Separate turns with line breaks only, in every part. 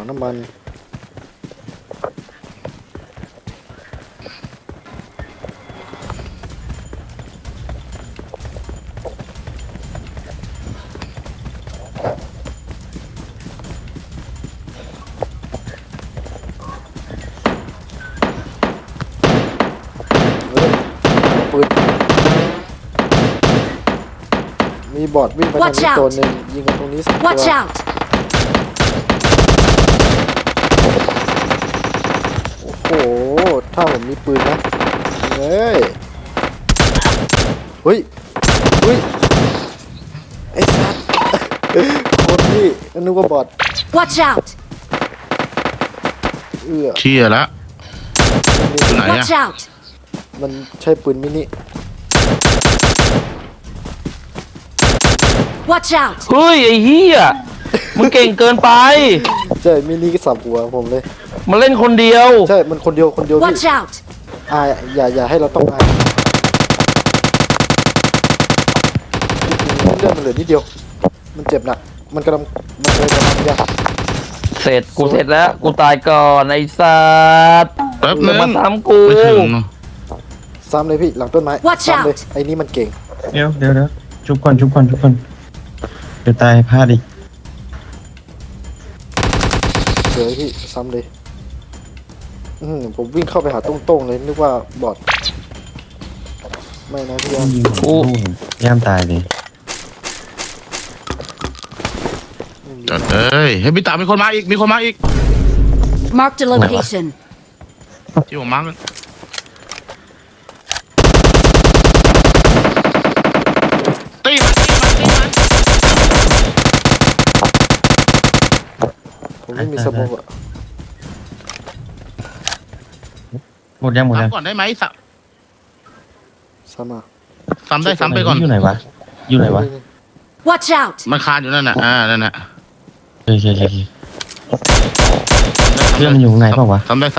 งน้ำมันปืนมีบอดวิ่งไปทางนี้ตัวหนึ่งยิงกันตรงนี้2 ตัว
Watch out!
โอ้โหถ้าผมมีปืนนะเฮ้ยเฮ้ยไอ้สัตว์คนนี่นึกว่าบอด
Watch out!
เชี่ยแล้วไหนอะ
Watch out!
มันใช่ปืนมินิ
Watch out!
เฮ้ยไอ้เหี้ยมึงเก่งเกินไป
ใช่มินิก็สับหัวผมเลย
มันเล่นคนเดียว
ใช่มันคนเดียวพี่
Watch out!
อย่าให้เราต้องอายเลือดมันเหลือนิดเดียวมันเจ็บหนักมันกำลังยา
เสร็จกูเสร็จแล้วกูตายก่อนไอ้สัตว์
แป๊บนึง
มาทำกู
ไม่ถึง
ซ้ำเลยพี่หลังต้นไม้
Watch
ซ้ำเลย
out
ไอ้นี่มันเก่ง
เดี๋ยวชุบก่อนเดี๋ยวตายพลาดอีก
เสือพี่ซ้ำเลยผมวิ่งเข้าไปหาโต้งๆเลยนึกว่าบอดไม่นะพี่ยาม
ยิงผมย่ามตายเลย
จัดเอ้ยเฮ้ยพี่ตามีคนมาอีก
Marked a location.
ที่ผมมาร์กตีมัน
ผมไม่มีสมองอะ
หมดยัง
ซ้ำก่อนได้ไหม
ซ้ำมา
ซ้ำได้ซ้ำไปก่อน
อยู่ไหนวะ
Watch out!
มันคานอยู่นั่นน่ะนั่นน่ะ
โอเคเพื่อนมันอยู่ข้างในเปล่าวะ
ซ้ำได้ซ้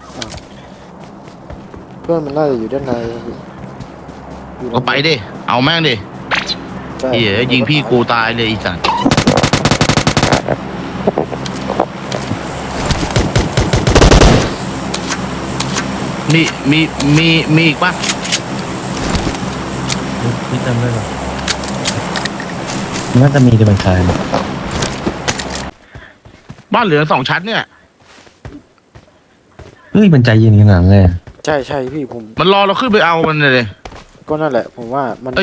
เพื่อนมันน่าจะอยู่ด้านในอยู่
ำก็ไปดิเอาแม่งดิ
ใช่
เหี้ยยิงพี่กูตายเลยอีสัตว์มีอีกปะ
นี่เติมด้วยหรอน่าจะมีแต่มันคลาย
บ้านเหลือ2 ชั้นเนี่ย
เฮ้ยมันใจเย็นขนาดนั้นเลย
ใช่พี่ผม
มันรอเราขึ้นไปเอามันเลย
ก็นั่นแหละผมว่ามัน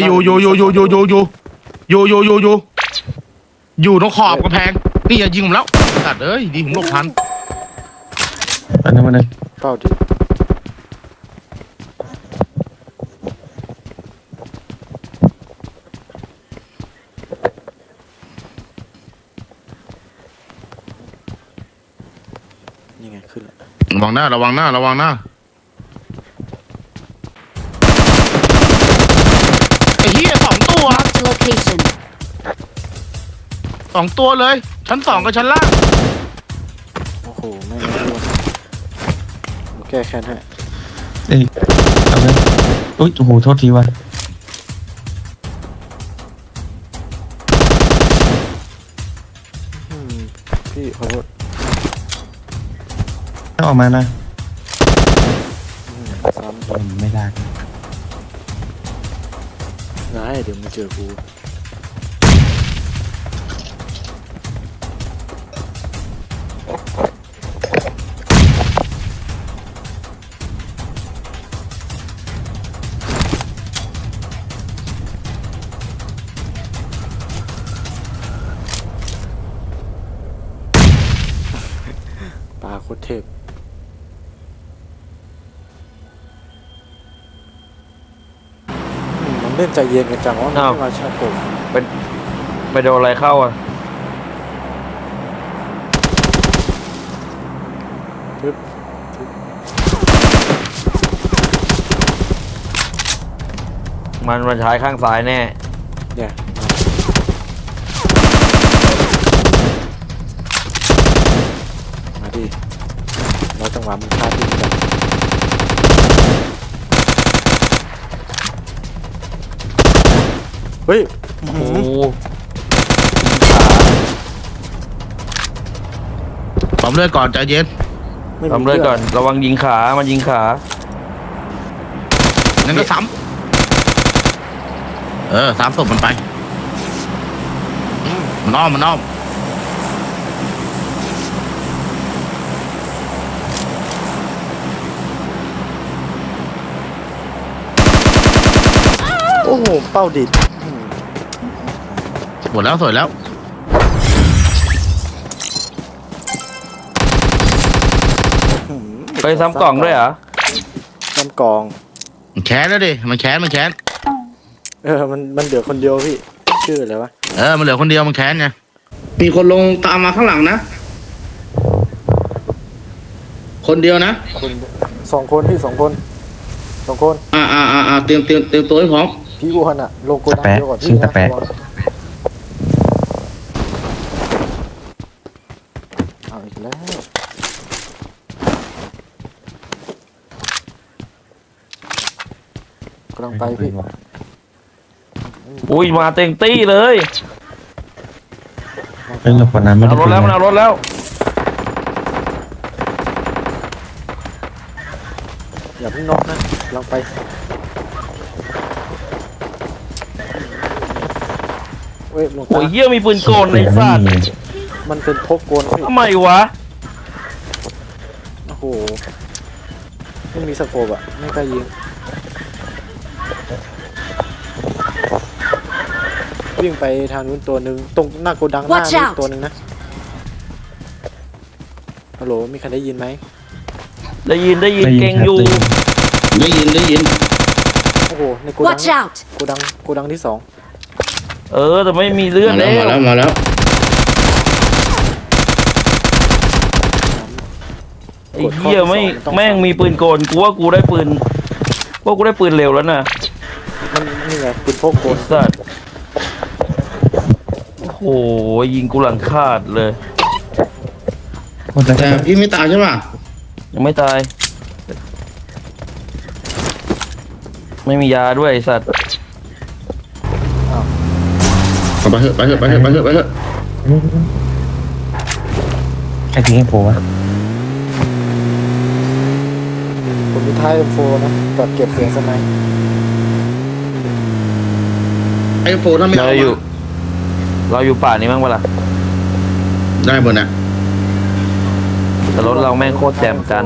อยู่ตรงขอบกระแพงนี่อย่ายิงผมแล้วตัดเอ้ยดีผมหลบทัน
อันนั้นมันเลย
เป้าดีนี่ไงขึ้นแล้ว
ระวังหน้าไอ้เหี้ย2 ตัว
Marked a location.
2 ตัวเลยชั้น 2กับชั้นล่าง
โอ้โหไม่รู้ผมแก้แค้นให้
เอ้ยเอาเลยอุ้ยโอ้โหโทษทีวะ
พี่ขอโทษ
ต้องออกมานะ
ซ้ำ
ไม่ได้
ได้เดี๋ยวมาเจอกูปลาโคตรเทพมันเล่นใจเย็นกันจังว่ามันไม่มาชาร์จผม
ไปโดนอะไรเข้าอ่ะ
ทึบ
มันมาใช้ข้างซ้ายแน่
เนี่ยมาดิเราจังหวะมันพลาดที่กันเฮ้ย
โอ้โห
ปั๊ปั๊มเลือดก่อนใจเย็น
ไม่มี
ทำเลยก่อนระวังยิงขามันยิงขา
งั้นก็ซ้ำซ้ำศพมันไปมันอ้อม
โอ้โหเป้าดิด
หมดแล้วสวยแล้ว
ไปซ้ำกล่องด้วยเหรอ
ซ้ำกล่อง
มันแค้นแล้วดิมันแค้น
มันเหลือคนเดียวพี่ชื่ออะไรวะ
มันเหลือคนเดียวมันแค้นไง
มีคนลงตามมาข้างหลังนะ คนเดียวนะ
คนสองคนพี่สองคน
เตรียมตัวให้พร้อม
พี่อ้วนอะลงโกดังเดียวก่อน
ชื่
พี่
อตะแปะ
เอาอีกแล้วกำลังไปพี่
อุ้ยมาเต็งตี้เลย
เรื่องคนนั้นไม่
เอา
ได้
รถแล้วมันเอารถแล้ว
อย่าเพิ่งน็อกนะกำลังไปเว้ยหลวง
โอ้
ตาย
เหี้ยมีปืนโกนในสัตว์
มันเป็นพกโกนพี่
ทำไมวะ
โอ้โหไม่มีสโคปอะไม่กล้ายิงวิ่งไปทางนู้นตัวหนึ่งตรงหน้าโกดังหน้า
Watch
นี่
out
ตัวหนึ่งนะฮัลโหลมีใครได้ยินไหม
ได้ยินเก่งอยู่
ได้ยิน
โอ้โหในโกดัง
Watch out!
โกดังที่สอง
แต่ไม่มีเลือด
มา
แล้
แล้ว
วไอ้เหี้ยไม่แม่งมีปืนโกนกูว่ากูได้ปืนเร็วแล้วนะ
มันนี่ไงปืนพกโก
ไอ้
น
สัตว์โอ้โหยิงกูหลังขาดเลย
แต่พี่ไม่ตายใช่ป่ะ
ยังไม่ตาย ไม่มียาด้วยไอ้สัตว์
ไปเถอะ
ใครทิ้งให้โผล่วะ
ผมมีท้าย M4 นะกับเก็บเสียงสไนป์
ไอ้โฟถ้าไม่
เรา
เอา
อยู่ป่านี้มั้งเปะล่า
ได้หมดนะ
แต่รถเราแม่งโคตรแจ่มจัน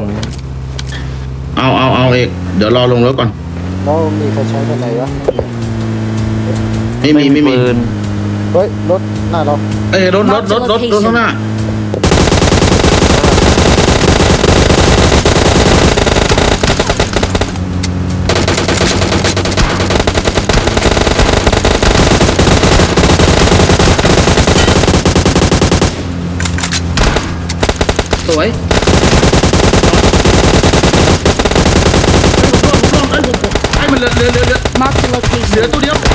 เอาเอกเดี๋ยวรอลงรถก่อน
แล้วมีใครใช้กันไหนวะ
ไม่มี
ปืน
เฮ้ยรถหน้าเรา
เอ้ยรถข้างหน้าสวยไอ้มันเหลือ
Mark the
เหลือ
location.
ตัวเดียว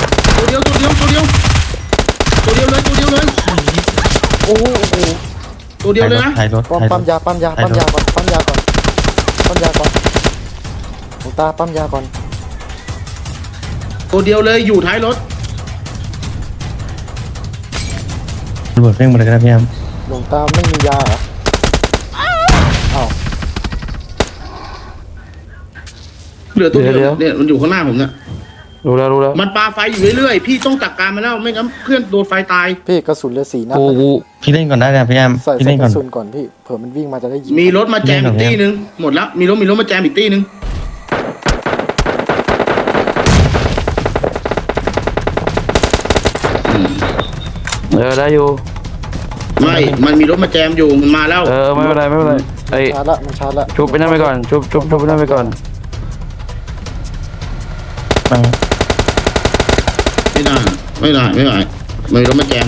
เลย
โอ้โห
ตัวเดียวเลยนะ
ถ่ายรถ
ปั๊มยาก่อนปั๊มยาก่อนหลวงตาปั๊มยาก่อน
ตัวเดียวเลยอยู่ท้ายรถ
ระเบิดเร่งมาเลยก็ได้พี่แอม
หลวงตาไม่มียาเหรออ้าว
เหลือตัวเดียวเนี่ยมันอยู่ข้างหน้าผมเนี่ย
รู้แล้ว
มันปาไฟอยู่เรื่อยๆพี่ต้องจัดการมันแล้วไม่งั้นเพื่อนโดนไฟตาย
พี่กระสุนเหลือ4 นัด
กู
นะ
พี่เล่นก่อนได้นะพี่แอม
ใส่
พี่เล่น
ก
ก่อน
ระสุนก่อนพี่เผื่อมันวิ่งมาจะได้ยิง
มีรถมาแจมอีกตี้นึงหมดแล้วมีรถมาแจมอีกตี้นึง
ได้อยู่
ไม่มันมีรถมาแจมอยู่มันมาแล้ว
ไม่เป็นไรไอ้
มันชาร์จละ
ชุบไปนั่นไปก่อนชุบไปนั่นไปก่อน
มา
ไม่ได้มันมีรถมาแจม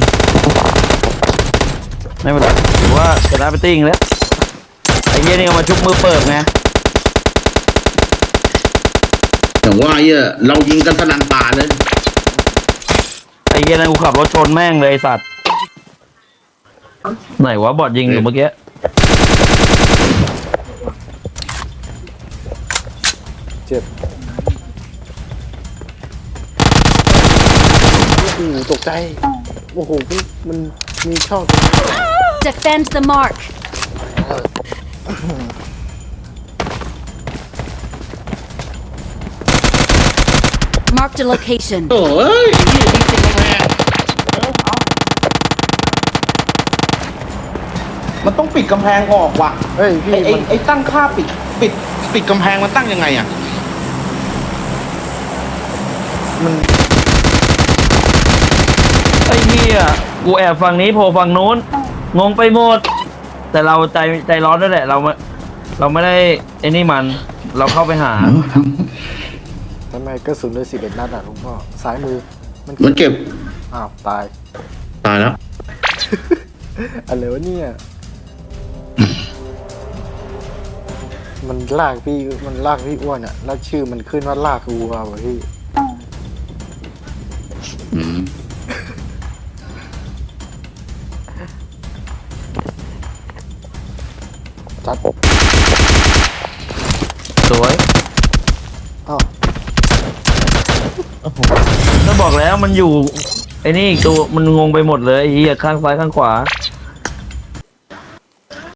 ไม่เป็นไรถือว่าชนะไปติ้งแล้วไอ้เหี้ยนี่เอามาชุบมือเปิบไง
แต่ว่าเรายิงกันสนั่นป่าเลย
ไอ้เหี้ยนั่นกูขับรถชนแม่งเลยไอ้สัตว์ไหนวะบอดยิงอยู่เมื่อกี้
เจ็บโอ้โหตกใจโอ้โหมันมีช่อง
Defend the mark.
เลย
Marked a location.
โอ้ย
พี่ยิงติดกำแพง
มันต้องปิดกำแพงออกว่ะ
เฮ้ยพี่มัน
ไอ้ตั้งค่าปิด
ปิดกำแพงมันตั้งยังไงอ่ะ
มัน
ไอ้เหี้ยกูแอบฝั่งนี้โผล่ฝั่งนู้นงงไปหมด แต่เราใจร้อนด้วยแหละ เราไม่ได้ไอ้นี่มัน เราเข้าไปหา
ทำไมกระสุนเลย11 นัดอ่ะลุงพ่อซ้ายมือ
มันเก็บ
อ้าวตาย
ตายแล้ว
อะไรวะเนี่ย มันลากพี่อ้วนอ่ะแล้วชื่อมันขึ้นว่าลากวัวว่ะพี่
อืม
จัด
สวย
อ้าว
ก็บอกแล้วมันอยู่ไอ้นี่อีกตัวมันงงไปหมดเลยไอ้เหี้ยข้างซ้ายข้างขวา